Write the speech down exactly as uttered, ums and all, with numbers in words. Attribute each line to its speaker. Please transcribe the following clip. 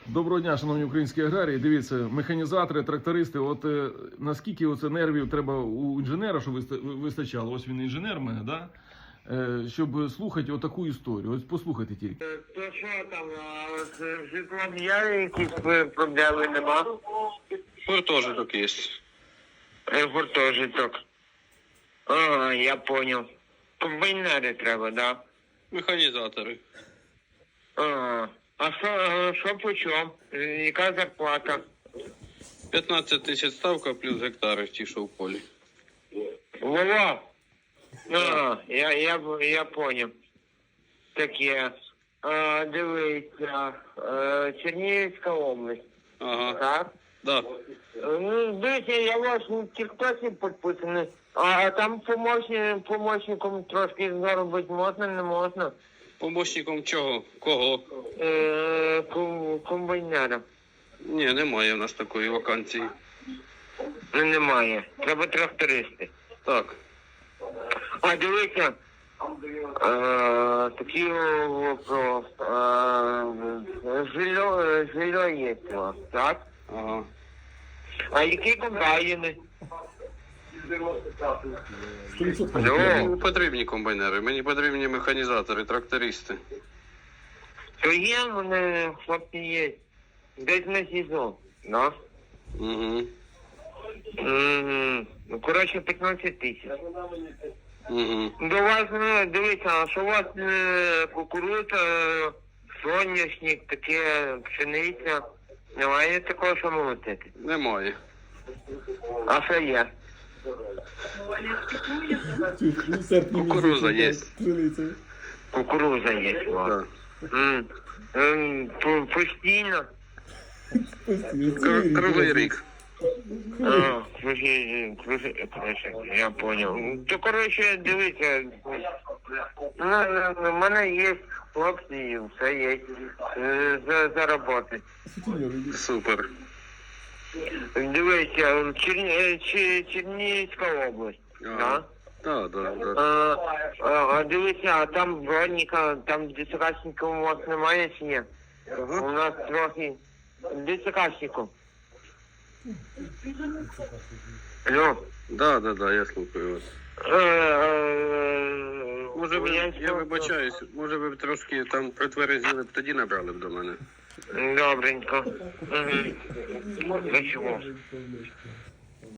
Speaker 1: Доброго дня, шановні українські аграрії. Дивіться, механізатори, трактористи. От е, наскільки оце нервів треба у інженера, щоб виста- вистачало. Ось він інженер в мене, да? Е, щоб слухати отаку історію. Ось послухайте тільки.
Speaker 2: То що там, а з житлом є якісь проблеми нема?
Speaker 3: Гуртожиток є.
Speaker 2: Е, Гуртожиток. Ага, я понял. Комбайнери треба, да?
Speaker 3: Механізатори.
Speaker 2: Ага. А що, е, що по чому? Е, Яка зарплата?
Speaker 3: п'ятнадцять тисяч ставка плюс гектари ті, що в полі.
Speaker 2: Вова! Ага, я, я, я понял. Таке. А, дивіться, е, Чернігівська область.
Speaker 3: Ага.
Speaker 2: Так?
Speaker 3: Да.
Speaker 2: Е, Ну, дивіться, я у вас в тіктоці підписаний, а там помощник, помощником трошки заробити можна, не можна?
Speaker 3: Помощником чого? Кого?
Speaker 2: Е, ком- комбайнера.
Speaker 3: Ні, немає в нас такої вакансії.
Speaker 2: Ну, немає. Треба трактористи.
Speaker 3: Так.
Speaker 2: А дивіться, е, такий вопрос. Е, жилье, жилье є у вас, так?
Speaker 3: Ага.
Speaker 2: А які комбайни?
Speaker 3: Мені
Speaker 2: Алло,
Speaker 3: не потрібні комбайнери, мені потрібні механізатори, трактористи.
Speaker 2: то є вони, хлопці є. Десь на сезон, да?
Speaker 3: Угу.
Speaker 2: Мгм. Ну, коротше, п'ятнадцять тисяч.
Speaker 3: Угу.
Speaker 2: До вас, ну, дивіться, а що у вас е, кукурудза, е, соняшник, таке, пшениця? Немає такого, що молотити?
Speaker 3: Немає.
Speaker 2: А що є?
Speaker 3: Кукуруза є.
Speaker 2: Кукуруза є у вас.
Speaker 3: Да.
Speaker 2: М. Ем, по- Постійно?
Speaker 3: Кр- Кривий рік.
Speaker 2: А, круги- круги- коротше, я понял. То, коротше, дивіться, ну, ну, у мене є хлопці, і все є е, за, за роботи.
Speaker 3: Супер.
Speaker 2: Дивіться, Черні, Чи- Чернігівська область,
Speaker 3: Ага.
Speaker 2: да?
Speaker 3: Так, так,
Speaker 2: А,
Speaker 3: так.
Speaker 2: а, а дивіться, а там броніка, там десятикашників у вас немає чи ні?
Speaker 3: Ага.
Speaker 2: У нас трохи десятикашників. Алло.
Speaker 3: Да, да, да, я слухаю вас.
Speaker 2: Е, е,
Speaker 3: Може ви,
Speaker 2: я
Speaker 3: я вибачаюсь, може ви б трошки там притверезіли б, тоді набрали б до мене.
Speaker 2: Добренько. Угу. До чого?